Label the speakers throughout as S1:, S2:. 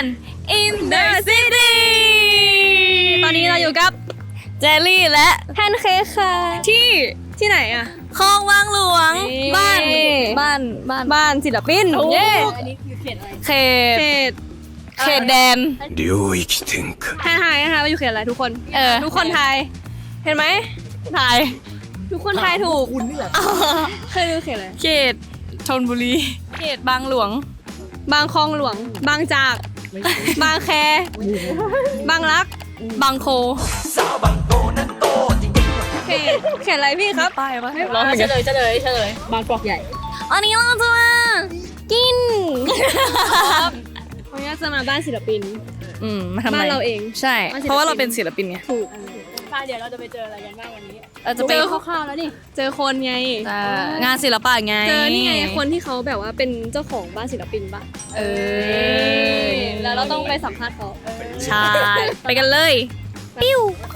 S1: In the City
S2: ตอนนี้เราอยู่กับ
S1: เจลลี่และ
S2: แพนเค้กค่ะที่ไหนอะ
S1: คลองวังหลวง บ้านศิลปินเย้อันนี้คือเขตอะไรเขตแดน
S3: 領域展開
S2: ทายนะคะว่าอยู่เขตอะไรทุกคนทุกคนทายเห็นไหม
S1: ถ่าย
S2: ทุกคนทายถูกคุณนี่แหละเคยดูเขตอะไร
S1: เขตชลบุรีเขตบางหลวง
S2: บางคลองหลวงบางจากบางแคบางรัก
S1: บางโค
S2: เขตอะไรพี่ครับ
S1: ป้ายปะร้องเฉลยบางกอกใหญ่อันนี้เราจะมากิน
S2: วันนี้จะมาบ้านศิลปิน
S1: มาทำอะไร
S2: บ้านเราเอง
S1: ใช่ เพราะว่าเราเป็นศิลปินไง
S2: ถูก
S4: เดี๋ยวเราจะไปเจออะไรกันบ้างวันนี้
S1: เราจะ
S2: เจ
S1: ไป
S2: อคร่าวๆแล้วนี่เจอคนไง
S1: งานศิลปะไง
S2: เจอนี่ไงคนที่เขาแบบว่าเป็นเจ้าของบ้านศิลปินปะแล้วเราต้องไปสัมภาษณ์เขา
S1: ใช่ ไปกันเลยปิ้ว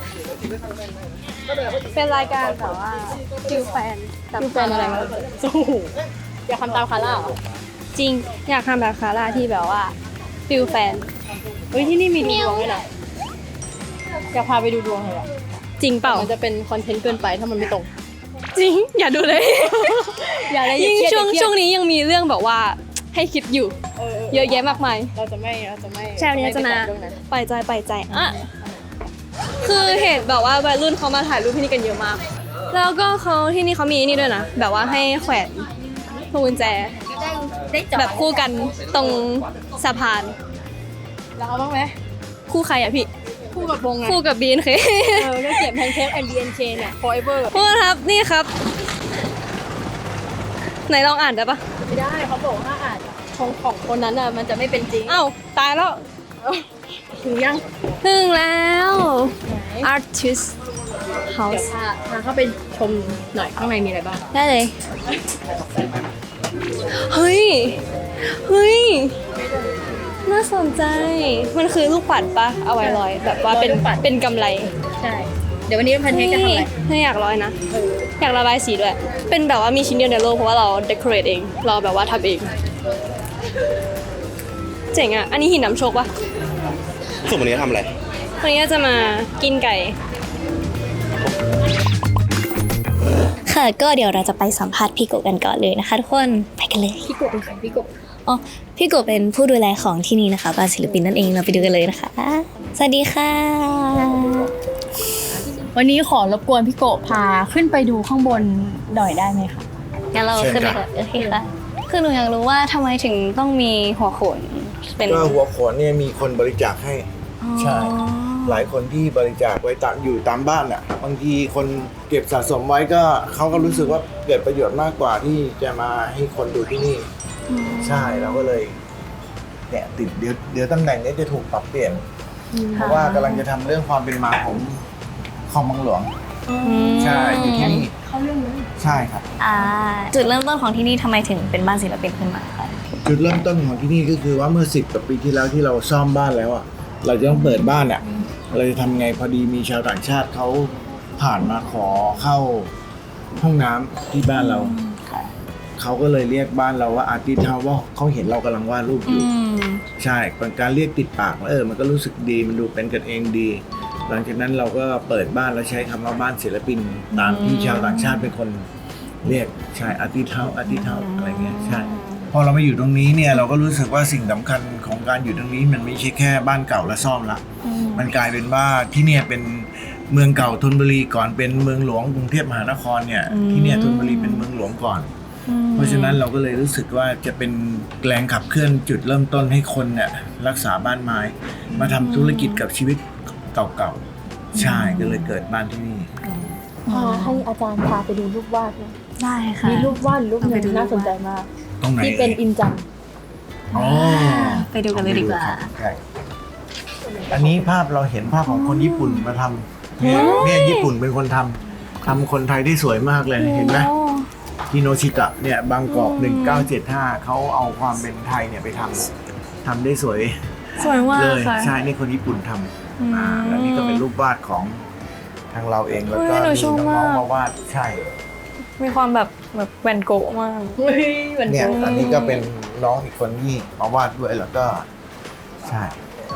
S2: เป็นรายการแบบว่าฟิลแฟนอะไรมา
S4: อยากทำตามคาร่าเหรอ
S2: จริงอยากทำแบบคาร่าที่แบบว่าฟิลแฟน
S4: เฮ้ยที่นี่มีดูดวงด้วยนะอยากพาไปดูดวงเลยอะ
S2: จริงเปล่า
S4: มันจะเป็นคอนเทนต์เกินไปถ้ามันไม่ตรง
S2: จริงอย่าดูเลย
S4: อย่าอะไร
S2: ยิ่ง
S4: เครียด
S2: ช่วงนี้ยังมีเรื่องแบบว่าให้คิดอยู่เยอะแยะมากมาย
S4: เราจะไม่
S2: ใช่วันนี้จะมา
S4: เรื่องนั้น
S2: ปล่อยใจอ่ะคือเห็นแบบว่าวัยรุ่นเขามาถ่ายรูปที่นี่กันเยอะมาก แล้วก็เขาที่นี่เขามีนี่ด้วยนะแบบว่าให้แขวนพวงกุญแจแบบคู่กันตรงสะพาน
S4: แล้วเอาบ้างไหม
S2: คู่ใครอะพี่
S4: คู่กับวงไง
S2: คู่กับบีนเค
S4: ก็เขียนแพนเค้ก MBNK เนี่ย forever
S2: พูดครับนี่ครับ ไหนลองอ่านได้ปะ
S4: ไม่ได้เขาบอกว่าอาจของคนนั้นอ่ะมันจะไม่เป็นจริง
S2: เอ้าตายแล้ว
S4: ถึงยัง
S2: ถึงแล้ว
S4: ไหน
S2: Artist
S4: เดี๋ยว
S2: House
S4: พาเข้าไปชมหน่อยข้างในมีอะไรบ้าง
S2: ได้เลย เฮ้ย น่าสนใจ มันคือลูกปัดปะเอาไว้ร้อย แบบว่าเป็นกำไร
S4: ใช่ เดี๋ยววันนี้แพนเค้กจะทำอะไร
S2: ไม่อยากร้อยนะ อยากระบายสีด้วย เป็นแบบว่ามีชิ้นเดียวในโลกเพราะว่าเราเดคอเรทเอง เราแบบว่าทำเอง เจ๋งอ่ะ อันนี้หินน้ำโชคปะ
S3: ส่วนวันนี้ทำอะไร
S2: วันนี้จะมากินไก่
S1: ค่ะก็เดี๋ยวเราจะไปสัมภาษณ์พี่โกะกันก่อนเลยนะคะทุกคนไปกันเลย
S4: พี่กบเป็นใครพี่กบ
S1: อ๋อพี่โกะเป็นผู้ดูแลของที่นี่นะคะบ้านศิลปินนั่นเองเราไปดูกันเลยนะคะสวัสดีค่ะ
S4: วันนี้ขอรบกวนพี่โกะพาขึ้นไปดูข้างบนหน่อยได้ไหมคะ
S1: งั้นเราขึ้นเลยค่ะโอเคค่ะคือหนูอยากรู้ว่าทำไมถึงต้องมีหัวโขนเป็น
S5: ก็หัวโขนเนี่ยมีคนบริจาคให้
S1: อ๋อ
S5: ใช่ หลายคนที่บริจาคไว้อยู่ตามบ้านอ่ะบางทีคนเก็บสะสมไว้ก็เขาก็รู้สึกว่าเกิดประโยชน์มากกว่าที่จะมาให้คนดูที่นี่ ใช่เราก็เลยเนี่ยติดเดี๋ยวตำแหน่งนี้จะถูกปรับเปลี่ยน เพราะว่ากำลังจะทำเรื่องความเป็นมาของคลองบางหลวงใช่อยู่ที่นี่เขาเรื่องนี้ใช่ครับ
S1: จุดเริ่มต้นของที่นี่ทำไมถึงเป็นบ้านศิลปินขึ้นมาคะ
S5: จุดเริ่มต้นของที่นี่ก็คือว่าเมื่อ10 กว่าปีที่แล้วที่เราซ่อมบ้านแล้วอ่ะเราจะต้องเปิดบ้านอ่ะเราจะทำไงพอดีมีชาวต่างชาติเขาผ่านมาขอเข้าห้องน้ำที่บ้านเราเขาก็เลยเรียกบ้านเราว่าอาร์ติสต์เฮาส์ว่าเขาเห็นเรากำลังวาดรูปอยู่ใช่เป็นการเรียกติดปากมันก็รู้สึกดีมันดูเป็นกันเองดี หลังจากนั้นเราก็เปิดบ้านแล้วใช้คำว่าบ้านศิลปินตามที่ชาวต่างชาติเป็นคนเรียกใช่อาร์ติสต์เฮาส์อะไรเงี้ยใช่พอเรามาอยู่ตรงนี้เนี่ยเราก็รู้สึกว่าสิ่งสำคัญของการอยู่ตรงนี้มันไม่ใช่แค่บ้านเก่าและซ่อมละมันกลายเป็นว่าที่เนี่ยเป็นเมืองเก่าธนบุรีก่อนเป็นเมืองหลวงกรุงเทพมหานครเนี่ยที่เนี่ยธนบุรีเป็นเมืองหลวงก่อนเพราะฉะนั้นเราก็เลยรู้สึกว่าจะเป็นแรงขับเคลื่อนจุดเริ่มต้นให้คนเนี่ยรักษาบ้านไม้มาทำธุรกิจกับชีวิตเก่าๆใช่ก็เลยเกิดบ้านที่นี่
S4: พาให้อาจารย์พาไปดูรูปวาดนะ
S1: ได้ค่ะ
S4: มีรูปวาดรูปหนึ่งน่าสนใจมาก
S5: ตรงไหน
S4: ที่เป็นอินจัน
S5: อ๋อ
S1: ไปดูกันเลยดีกว่า
S5: ใช่อันนี้ภาพเราเห็นภาพของคนญี่ปุ่นมาทำเนี่ยญี่ปุ่นเป็นคนทำคนไทยได้สวยมากเลยเห็นไหมฮิโนชิตะเนี่ยบางกอก1975เขาเอาความเป็นไทยเนี่ยไปทำได้สวย
S1: สวยมาก
S5: เลย
S1: ค่ะ
S5: ใช่นี่คนญี่ปุ่นทำแล้วนี่ก็เป็นรูปวาดของทางเราเองแล้วก็
S1: หนู
S5: มี
S1: ชอบ
S5: น้อง
S1: มาก
S5: ๆมาวาดใช่
S1: มีความแบบแวนโกะมาก
S4: เฮ้ยเหมือน
S5: เนี่ย
S4: กัน
S5: อันนี้ก็เป็นน้องอีกคนที่มาวาดด้วยแล้วก็ใช่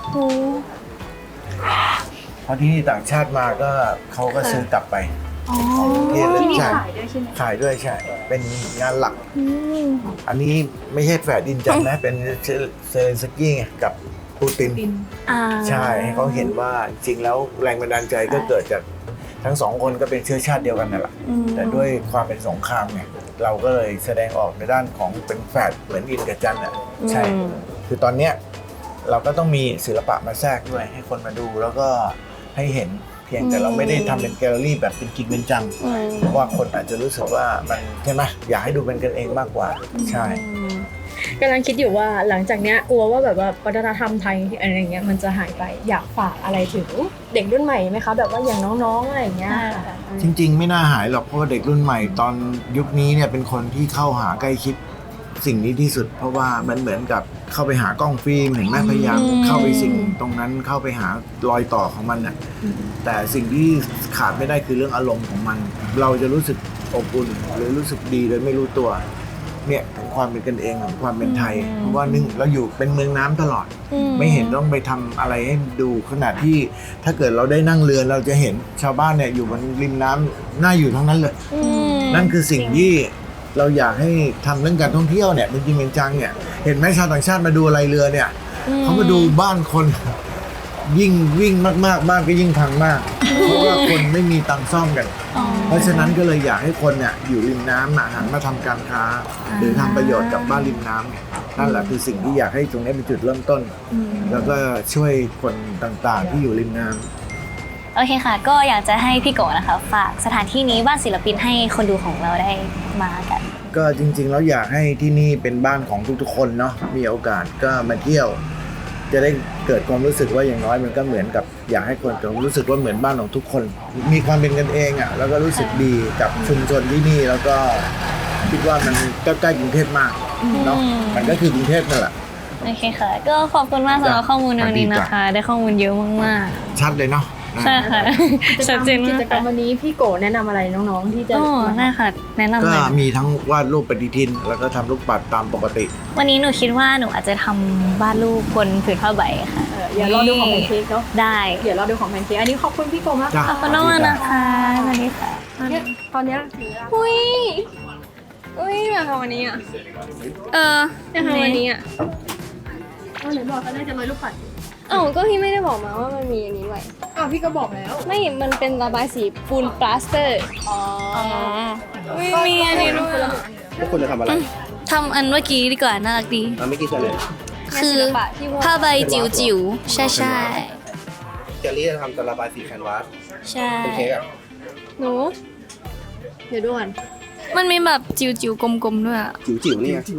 S5: เพราะที่นี่ต่างชาติมาก็เขาก็ซื้อกลับไปที่นี่ขายด้วยใช่ไหมขายด้วยใช่เป็นงานหลักอันนี้ไม่ใช่แฝดดินจันทร์นะเป็นเซเลนสกี้ไงกับปูตินใช่ให้เขาเห็นว่าจริงแล้วแรงบันดาลใจก็เกิดจากทั้งสองคนก็เป็นเชื้อชาติเดียวกันนั่นแหละแต่ด้วยความเป็นสงครามเนี่ยเราก็เลยแสดงออกในด้านของเป็นแฝดเหมือนดินกับจันทร์อ่ะใช่คือตอนเนี้ยเราก็ต้องมีศิลปะมาแทรกด้วยให้คนมาดูแล้วก็ให้เห็นเพียงแต่เราไม่ได้ทำเป็นแกลเลอรี่แบบเป็นจริงเป็นจังเพราะว่าคนอาจจะรู้สึกว่ามันใช่ไหมอยากให้ดูเป็นกันเองมากกว่าใช่
S4: กำลังคิดอยู่ว่าหลังจากเนี้ยกลัวว่าแบบว่าวัฒนธรรมไทยอะไรเงี้ยมันจะหายไปอยากฝากอะไรถึงเด็กรุ่นใหม่ไหมคะแบบว่าอย่างน้องๆอะไรอย่างเงี้ย
S5: จริงๆไม่น่าหายหรอกเพราะว่าเด็กรุ่นใหม่ตอนยุคนี้เนี่ยเป็นคนที่เข้าหาใกล้ชิดสิ่งนี้ที่สุดเพราะว่ามันเหมือนกับเข้าไปหากล้องฟิล์มเห็นไหมพยายามเข้าไปสิ่งตรงนั้นเข้าไปหารอยต่อของมันน่ะแต่สิ่งที่ขาดไม่ได้คือเรื่องอารมณ์ของมันเราจะรู้สึกอบอุ่นหรือรู้สึกดีโดยไม่รู้ตัวเนี่ยของความเป็นกันเองของความเป็นไทยเพราะว่านึงเราอยู่เป็นเมืองน้ำตลอดไม่เห็นต้องไปทำอะไรให้ดูขนาดที่ถ้าเกิดเราได้นั่งเรือเราจะเห็นชาวบ้านเนี่ยอยู่บนริมน้ำน่าอยู่ทั้งนั้นเลยนั่นคือสิ่งที่เราอยากให้ทำเรื่องการท่องเที่ยวเนี่ยเป็นจริงเป็นจังเนี่ยเห็นไหมชาวต่างชาติมาดูอะไรเรือเนี่ยเขามาดูบ้านคนยิ่งวิ่งมากๆบ้านก็ยิ่งพังมากเพราะว่าคนไม่มีตังค์ซ่อมกันเพราะฉะนั้นก็เลยอยากให้คนเนี่ยอยู่ริมน้ำหันมาทำการค้าหรือทำประโยชน์กับบ้านริมน้ำเนี่ยนั่นแหละคือสิ่งที่อยากให้ตรงนี้เป็นจุดเริ่มต้นแล้วก็ช่วยคนต่างๆที่อยู่ริมน้ำ
S1: โอเคค่ะก็อยากจะให้พี่โกนะคะฝากสถานที่นี้บ้านศิลปินให้คนดูของเราได้มากัน
S5: ก็จริงๆแล้วอยากให้ที่นี่เป็นบ้านของทุกๆคนเนาะมีโอกาสก็มาเที่ยวจะได้เกิดความรู้สึกว่าอย่างน้อยมันก็เหมือนกับอยากให้คนรู้สึกว่าเหมือนบ้านของทุกคนมีความเป็นกันเองอ่ะแล้วก็รู้สึกดีกับชุมชนที่นี่แล้วก็คิดว่ามันก็ใกล้กรุงเทพมากเนาะมันก็คือกรุงเทพนั่นแหละ
S1: โอเคค่ะก็ขอบคุณมากสำหรับข้อมูลในวันนี้นะคะได้ข้อมูลเยอะมาก
S5: ๆชัดเลยเนาะ
S1: ใช่ค่ะชัดเจนมาก
S4: กิจกรรมวันนี้พี่โกแนะนำอะไรน้องๆที่จะ
S1: ได้ค่ะแนะนำ
S5: ก็มีทั้งวาดรูปปฏิทินแล้วก็ทำลูกปัดตามปกติ
S1: วันนี้หนูคิดว่าหนูอาจจะทำวาดรูปบนผืนผ้าใบค่ะ
S4: เดี๋ยวรอดูของแพนเค้กเนาะ
S1: ได้
S4: เดี๋ยวรอดูของแพนเค้กอันนี้ขอบคุณพี่โกมาก
S1: ขอบคุณมากนะคะสวัสดีค่ะ
S4: ตอนนี้
S2: อุ้ยอยากทำวันนี้อ่ะอยากทำวันนี้อ่ะ
S4: ไหนบอกก็ได้จะลอยลูกปัด
S2: ก็พี่ไม่ได้บอกมาว่ามันมีอย่างนี้ด้วย
S4: พี่ก็บอกแล้ว
S2: ไม่มันเป็นระบายสีปูนปลาสเตอร์
S1: มีอันนี้ด้วย
S3: พวกคุณจะทำอะไร
S1: ทำอันเมื่อกี้ดีกว่าน่ารักดี
S3: เมื่อกี้จะเลย
S1: คือผ้าใบจิ๋วๆใช่
S3: เจลลี่จะทำระบายสีแคนวาส
S1: ใช่
S3: เป็นเค้กอ่ะ
S2: หนูเดี๋ยวดูก่อน
S1: มันมีแบบจิ๋วๆกลมๆด้วย
S3: จิ๋วนี่ไง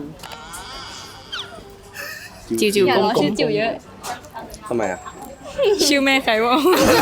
S1: จิ๋วๆกลมๆ
S2: ชื่อจิ๋วเยอะ
S3: ทำไมอ่ะ
S1: ชื่อแม่ใครวะ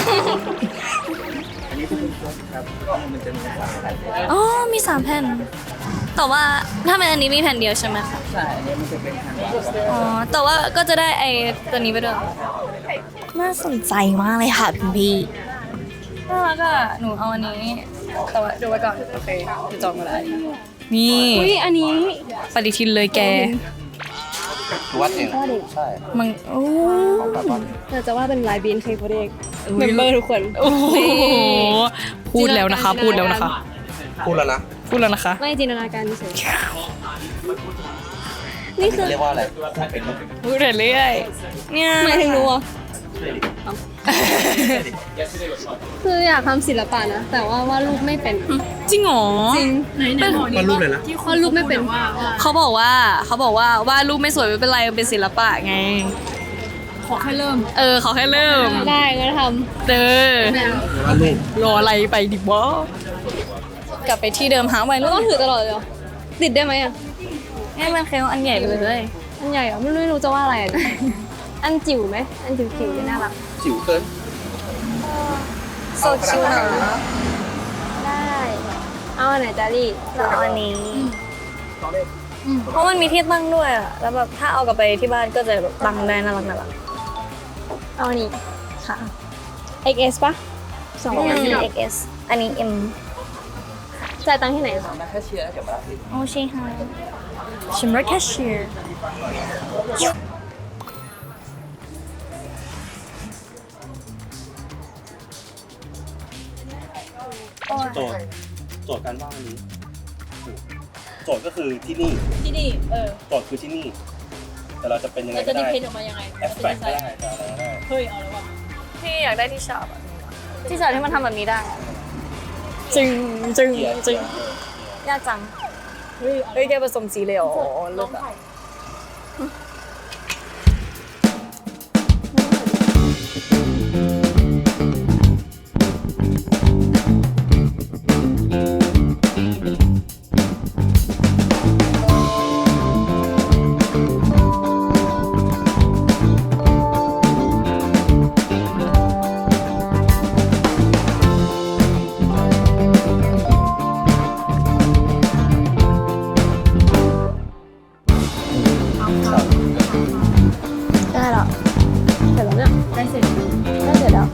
S1: อ๋อมี3แผ่นแต่ว่าถ้าเป็นอันนี้มีแผ่นเดียวใช่ไหมคะใช่อันนี้มันจะเป็นแผ่นแต่ว่าก็จะได้ไอ้ตัวนี้ไปด้วยน่าสนใจมากเลยค่ะพี่น่ารักอ่ะหนูเอาอันนี้แต่ว่าดูไว้ก่อนโอเคจะจองมาแล้วนี่
S2: อันนี้
S1: ปฏิทินเลยแก
S3: วัดเองใช่
S1: มันโอ้
S2: เราจะว่าเป็นลายบีนเคยโปรเด็กเมมเบอร์ทุกคน
S1: โอ้โหพูดแล้วนะคะพูดแล้วนะคะ
S2: ไม่จินตนาการเฉยนี่คือ
S3: เรียกว่าอะไร
S1: พูดเรื่อยเนี่ย
S2: หมายถึงรู้คืออยากทำศิลปะนะแต่ว่าวาดรูปไม่เป็น
S1: จริงหรอ
S2: จริง
S3: วาดรูปเลยนะ
S2: วาดรูปไม่เป็น
S1: เขาบอกว่าวาดรูปไม่สวยไม่เป็นไรมันเป็นศิลปะไง
S4: ขอแค่เริ่ม
S1: ขอแค่เริ่ม
S2: ได้ก็ทำ
S1: รออะไรไปดิวะกลับไปที่เดิมหาไว้แล้ว
S2: ต้องถือตลอดเลยเหรอติดได้ไหมอ่ะ
S1: ให้มันเคลอันใหญ่ไปเลย
S2: อันใหญ่เหรอไม่รู้จะว่าอะไรอันจิ๋วไหมอันจิ๋วน่ารัก
S3: จิ๋วเกิน
S1: โซชิวนะ
S2: ได้เอาอันไหนจารี่
S1: เอาอันนี้เพราะมันมีที่ตั้งด้วยอ่ะแล้วแบบถ้าเอากลับไปที่บ้านก็จะแบบตั้งได้น่ารัก
S2: เอาอันนี้
S1: ค่ะ
S2: XS ปะ
S1: 2อันนี้ XS อันนี้ M
S2: จ่ายตังค์ที่ไหน
S1: โอ้ใช่ค่ะชิมรถแคชเชียร์
S3: โจทย์การว่าวันนี้โจทย์ก็คือที่นี่
S4: ที่นี่
S3: โจทย์คือที่นี่ แต่เราจะเป็นยังไง
S4: เรา
S3: ก็
S4: จะดี
S3: ได้
S4: เพนออกมายังไง
S3: แอฟแฟกต์ก็ได้จะอะไรก็ได้
S4: เฮ้ยเอาแล้วว่ะ
S1: พี่อยากได้ที่ชอบอะที่ชอบที่มันทำแบบนี้ได้อะ
S2: จึงจึง
S3: เกียร์
S2: จึง
S1: ยากจัง
S4: เฮ้ยเอา
S2: เฮ้ยแกผสมสีเลยเหรอ
S4: ลองถ่าย
S1: ได้หรอ
S2: เสร็จแล้วเนี่ย
S4: ได้เสร็จ
S2: ได้เสร็จแล้ว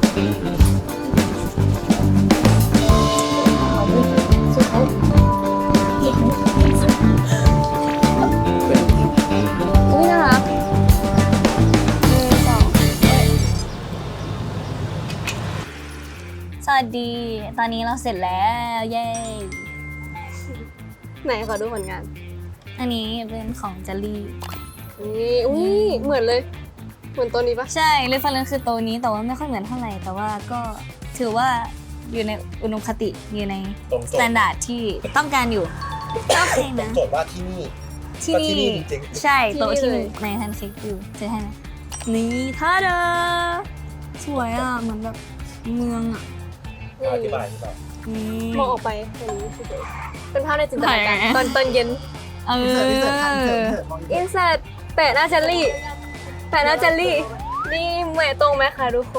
S2: อุ้ยน่ารัก1 2
S1: สวัสดี ตอนนี้เราเสร็จแล้ว เย้
S2: ไหนขอดูผลงาน
S1: อันนี้เป็นของเจลลี่
S2: นี่อุ้ยเหมือนเลย เหมือนตัวนี้ปะ
S1: ใช่เรฟเฟอเรนซ์คือตัวนี้แต่ว่าไม่ค่อยเหมือนเท่าไหร่ แต่ว่าก็ถือว่าอยู่ในอุดมคติอยู่ใน
S3: ตรง
S1: สแตนดาร์ดที่ต้องการอยู่โอเคนะ
S3: โจทย์ว่าที่นี่
S1: ที่
S3: ก็ที่
S1: นี่
S3: นี่จริง
S1: ใช่โต๊ะที่ในแพนเค้กอยู่ซื้อให้ไหมนี่ท่าเดอสวยอ่ะ เหมือนแบบเมืองอ่ะ
S3: อธิบาย
S1: นี่
S2: มองออกไปเป็นนี้คือเป็นภาพในจินตนาการ
S1: ไหน
S2: ตอนเย็น
S1: เออ
S2: อินเสิร์ตแปะหน้าเจลลี่ แปะหน้าเจลลี่ นี่เหมยตรงไหมคะทุกคน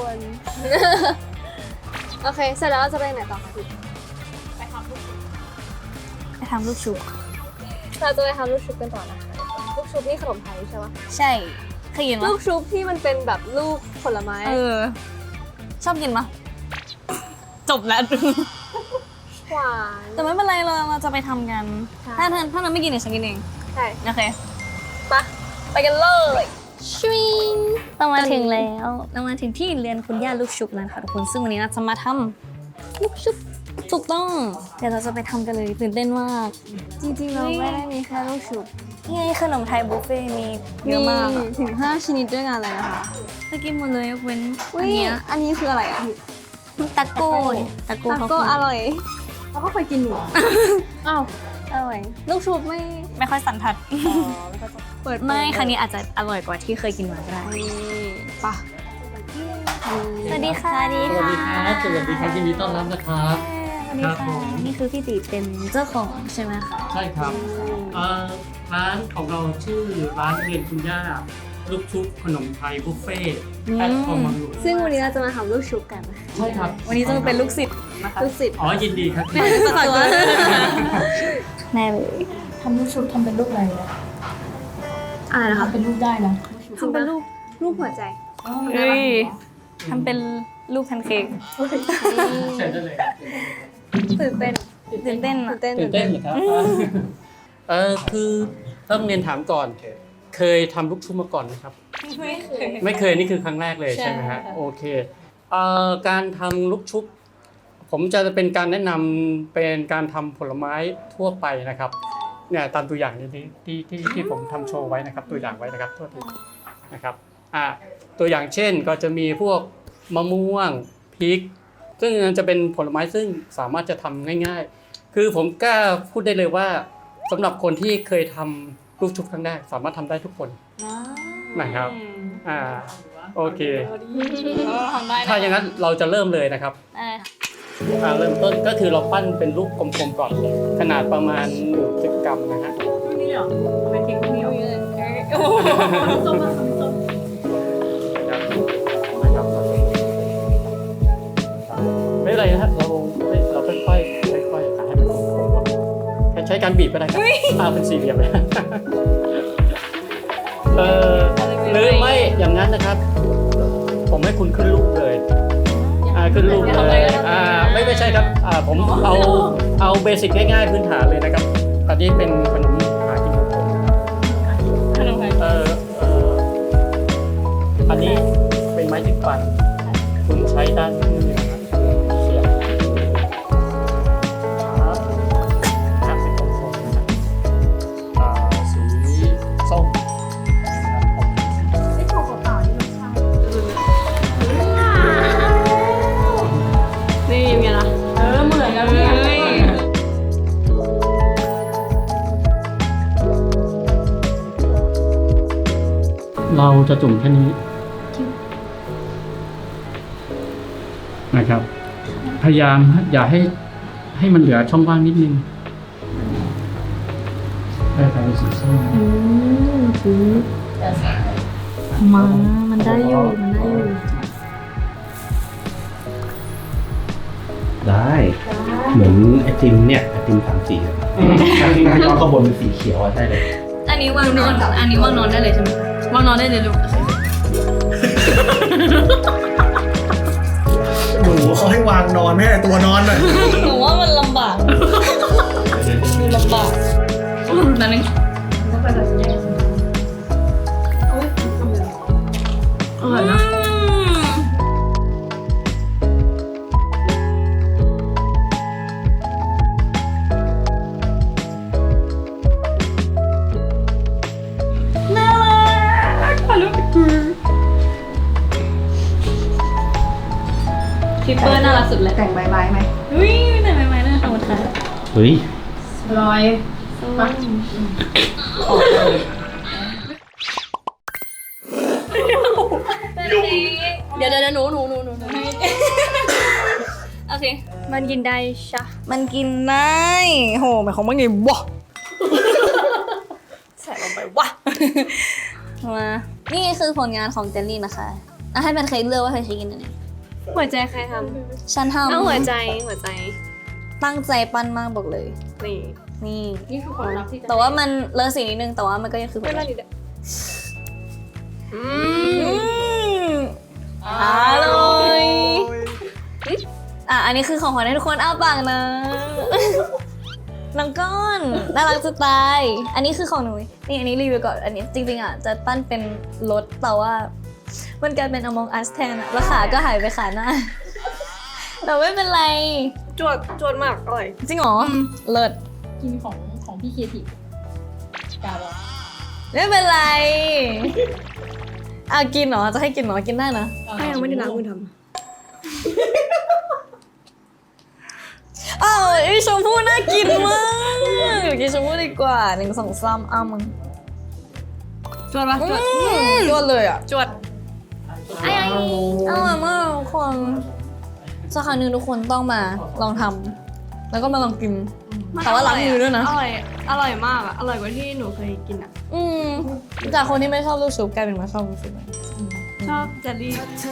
S2: โอเค เสร็จแล้วเราจะไปไหนต่อคะพี่
S1: ไปทำลูกชุบ
S2: เราจะไปทำลูกชุบกันต่อนะคะ ลูกชุบนี่ขนมไทยใช่ปะ
S1: ใช่เคยกิน
S2: ลู
S1: ปะ
S2: กชุบที่มันเป็นแบบลูกผลไม้
S1: เออ ชอบกินปะจบแล้ว
S2: หวาน
S1: แต่ไม่เป็นไรเราจะไปทำกัน
S2: ใช่
S1: ถ้านั้นไม่กินเดี๋ยวฉันกินเอง
S2: ใช่
S1: โอเค
S2: ปะไปกันเลย
S1: ชวิงเรามาถึงแล้วเรามาถึงที่เรียนคุณย่าลูกชุบแล้วค่ะทุกคนซึ่งวันนี้เราจะมาทำลูกชุบถูกต้องเดี๋ยวเราจะไปทำกันเลยตื่นเต้นมาก
S2: จริงๆเราไม่ได้มีแค่ลูกชุบ
S1: นี่ไงขนมไทยบุฟเฟ่ต์มีเยอะมากอะ
S2: ถึง5ชนิดด้วยกันเลยนะคะ
S1: ไปกินหมดเลยยกเว้น
S2: อุ้
S1: อัน
S2: ย
S1: เนี้ย
S2: อันนี้คืออะไรอ่ะพี่
S1: ตะโก้ตะโก้
S2: ตา
S1: เขา
S2: โก้อร่อย
S4: เราก็เคยกินอยู่
S2: อ้าวอร่อย ลูกชุบไม่
S1: ไม่ค่อยสันทัด
S2: เปิด
S1: ไม่ครั้งนี้อาจจะอร่อยกว่าที่เคยกินมาก็ได้
S2: นี่ปะ
S1: สวัสดีค่ะ
S6: สวัสดีครับสวัสดีครับยินดีต้อนรับนะครับ
S1: สวัสดี
S6: ครับผ
S1: ค่ะ
S6: ม
S1: นี่คือพี่ตีเป็นเจ้าของใช่ไหมคะ
S6: ใช่ครับร้านของเราชื่อร้านเรียนคุณย่าลูกชุบขนมไทยบุฟเฟ่ต์แอดคอมมังหลวง
S2: ซึ่งวันนี้เราจะมาทำลูกชุบกันนะคะ
S6: ใช่ครับ
S1: วันนี้จะมาเป็นลูกศิษย์นะคะ
S2: ลูกศิษย์
S6: อ๋อยินดีครับ
S1: ฝากตัวแน่เลย
S4: ทำลูกชุบทำเป็นรูปอะไรนะ
S2: อะไรนะคะ
S4: ทำเป็นรูปได้นะ
S2: ทำเป็นรูปหัวใจ
S1: เฮ้ยทำเป็นลูกแพนเค้ก
S6: เชิญได้เลยครับ
S2: ตื่นเต้น
S1: ตื่นเต้นอะ
S6: ตื่นเต้นเหรอครับคือต้องเรียนถามก่อน เคยทำลูกชุบมาก่อนไหมครับ ไม่เคยนี่คือครั้งแรกเลยใช่ไหมฮะโอเคการทำลูกชุบ ผมจะเป็นการแนะนำเป็นการทำผลไม้ทั่วไปนะครับเนี่ยตามตัวอย่างที่ผมทำโชว์ไว้นะครับ ตัวอย่างไว้นะครับโทษทีนะครับตัวอย่างเช่นก็จะมีพวกมะม่วงพริก ซึ่งจะเป็นผลไม้ซึ่งสามารถจะทำง่ายๆ คือผมกล้าพูดได้เลยว่าสำหรับคนที่เคยทำลูกชุบครั้งแรกสามารถทำได้ทุกคนนะครับโอเค
S1: ทำได้
S6: ถ้าอย่างนั้นเราจะเริ่มเลยนะครับ เริ่มต้นก็คือเราปั้นเป็นลูกกลมๆก่อนขนาดประมาณ10 กรัมนะฮะ
S4: นี่เหรอเป็นเค้กเหนียว ส้มส้ม
S6: นะครับไม่เป็นไรนะฮะเราค่อยๆให้มันกลมๆก่อนใช้การบีบก็ได้ครับเป็นสี่เหลี่ยมเลยหรือไม่อย่างนั้นนะครับ ผมให้คุณขึ้นรูปเลยขึ้นรูปเลยไม่ใช่ครับผมเอาเบสิกง่ายๆพื้นฐานเลยนะครับอันนี้เป็นขนมหากินของผมขนมไทยอันนี้เป็นไม้จิ้มฟันคุณใช้ด้านนี้นะครับเสียบเราจะจุ่มแค่นี้นะครับ พยายามอย่าให้มันเหลือช่องว่างนิดนึงได้ไปสีส้ม
S1: มันได้อยู่
S3: ได้ เหมือนไอติมเนี่ยไอติม3 สีไอติมย้อนข้างบนเป็นสีเขียวได้เลย
S1: อันนี้วางนอนอันนี้วางนอนได้เลยใช่ไหมวางนอนได้เลยลูก
S5: หนูเขาให้วางนอนไม่ให้ตัวนอนเลย
S1: หนูว่ามันลำบากลำบากนั่นเองอร่อยนะทิปเปอร์น่ารักสุดเลย
S4: แต่งใบไม้ไหม
S1: อุ้ยแต่ใหม่ๆน่าขอบคุณค่ะ
S3: เฮ้ย
S4: ร้อย
S1: เดี๋ยวหนูโอเค
S2: มันกินได้ชะ
S1: มันกินได้โหหมายความว่าไงวะใส่ลงไปวะมานี่คือผลงานของเจลลี่นะคะให้เป็นใครเลือกว่าใครจะกินอันไหน
S2: หัวใจใครท
S1: ฉัน
S2: ำเอา
S1: ทำ
S2: หัวใจ
S1: ตั้งใจปั้นมากบอกเลย
S2: นี่
S1: นี่
S4: นี่คือความรักที่
S1: แต่ว่ามันเลอะสีนิดนึงแต่ว่ามันก็ยังคือ
S2: ไม่รอดอยู่เด้อ
S1: อร่อยอันนี้คือของขวัญให้ทุกคนอ้าปากนะน้องก้อนน่ารักจะตายอันนี้คือของหนูนี่อันนี้รีวิวก่อนอันนี้จริงๆจะปั้นเป็นรถแต่ว่ามันกลายเป็น Among Us แทนแล้วขาก็หายไปขาหน้าแต่ไม่เป็นไร
S2: จวดมากอร่อย
S1: จริงเหรอเลิศ
S4: กินของพี่เคียทีกาบอก
S1: ไม่เป็นไรกินเหรอจะให้กินเหรอกินได้นะ
S2: ถ้ายังไม่ได้ล้างมือท
S1: ไอชมพู่น่ากินมากกินชมพู่ดีกว่า1 2 3มึง
S2: ำจวดปะจวด
S1: ยอดเลยอ่ะ
S2: จวด
S1: อร่อยมากทุกคนสักครั้งหนึ่งทุกคนต้องมาลองทำแล้วก็มาลองกินแต่ว่าล้างมือด้วยนะ
S2: อร่อยมากอะอร่อยกว่าที่หนูเคยกินอะ
S1: จากคนที่ไม่ชอบลูกชุบกลายเป็นมาชอบลูกชุบ
S2: ชอบเจลลี่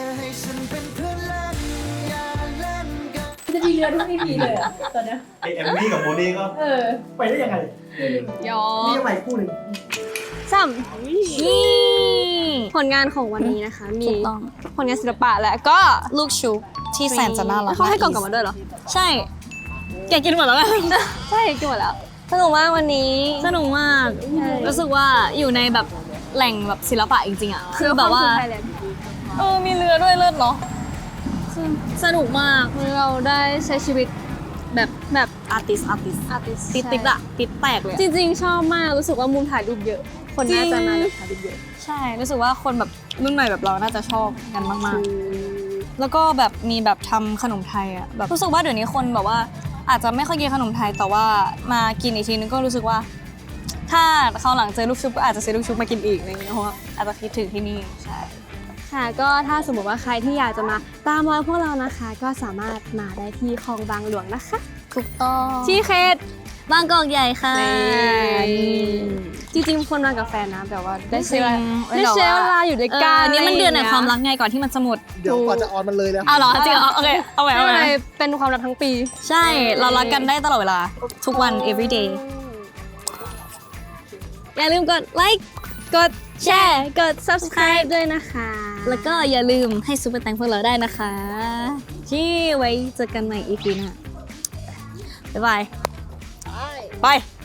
S4: จะมีเรือทุก EP เลยอ่ะตอนเนี้ย
S3: ไอแอมมี่กับโมนี่ก็
S5: ไปได้ยังไง
S2: ยอ
S5: นี่ยังไงคู่หนึ่ง
S2: ซ้ำผลงานของวันนี้นะคะ มี
S1: ถูกต้อง
S2: ผลงานศิลปะและก็
S1: ลูกชุบที่แสนจะน่ารัก
S2: เขาให้กล่องกลับมาด้วยเหรอ
S1: ใช่แกกินหมดแล้วไหม
S2: ใช่กินหมดแล้ว สนุกมากวันนี้
S1: สนุกมากรู้สึกว่าอยู่ในแบบแหล่งแบบศิลปะจริงๆอ่ะคือแบบว่า มีเรือด้วยเลิศเนาะสนุกมาก
S2: เราได้ใช้ชีวิตแบบ
S1: อาร์ติสติดอะติดแตกเลย
S2: จริงๆ ชอบมากรู้สึกว่ามุมถ่ายรูปเยอะ คนน่าจะมาแบบถ่ายรูปเยอะ
S1: ใช่รู้สึกว่าคนแบบรุ่นใหม่แบบเราน่าจะชอบกันมากๆแล้วก็แบบมีแบบทำขนมไทยอะแบบรู้สึกว่าเดี๋ยวนี้คนแบบว่าอาจจะไม่ค่อยกินขนมไทยแต่ว่ามากินอีกทีนึงก็รู้สึกว่า ถ้าคราวหลังเจอลูกชุบก็อาจจะซื้อลูกชุบมากินอีกอะไรอย่างเงี้ยเพราะว่าอาจจะคิดถึงที่นี่ใช่
S2: ค่ะก็ถ้าสมมติว่าใครที่อยากจะมาตามรอยพวกเรานะคะ ก็สามารถมาได้ที่คลองบางหลวงนะคะ
S1: ถูกต้อง
S2: ที่เขต
S1: บางกอกใหญ่ค่ะ
S2: จริงๆคนมากับแฟนนะแบบว่าได้
S1: จริ
S2: ใช้
S1: ง
S2: เวลาอยู่ด้วยกัน
S1: นี่มันเดือนแห่งความรักไงก่อนที่มันจะหมด
S5: เดี๋ยวกว่าจะออนมันเลยแล้ว
S1: เอาเหรอจริงเหรอโอเคเอาไว้
S2: ไม่
S1: เอา
S2: เป็น
S1: ไว้
S2: ไรเป็นความรักทั้งปี
S1: ใช่เรารักกันได้ตลอดเวลาทุกวัน every day อย่าลืมกดไลค์
S2: กดแชร์กด subscribe ด้วยนะคะ
S1: แล้วก็อย่าลืมให้ซุปเปอร์แตงพวกเราได้นะคะที่ไว้เจอกันใหม่ EP หน้าบ๊ายบาย ไป